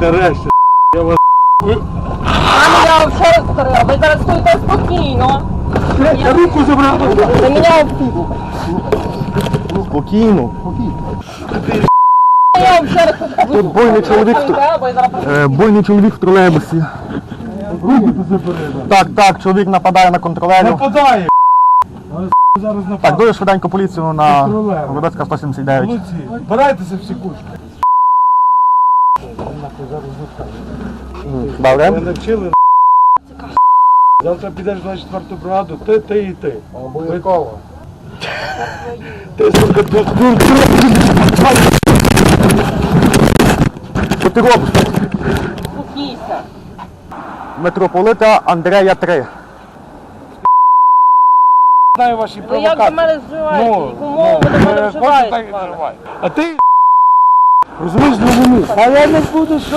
Нарешті, я вас... Я вам ще раз повторила, ви зараз стоїте спокійно. Я руку забрав. Ви мене обпів. Спокійно. Я вам ще раз повторила. Тут буйний чоловік в тролейбусі. Руку ти забери. Так, чоловік нападає на контролерів. Нападає. Зараз нападає. Так, дуже швиденько поліцію на Контролер. Городоцька 179. Молодці. Збирайтеся всі кучки. Ви Добре? навчили. Завтра підеш на 4-ту бригаду, ти і ти. Обов'язково. Ти, сука, тут. Що ти робиш? Спокійся. Митрополита Андрея 3. Знаю ваші Ви провокації. як до мене вживаєте? Яку мову ви до мене кожен так і вживаєте? вживає. А ти, розумієш, зрозумів. А я не буду, що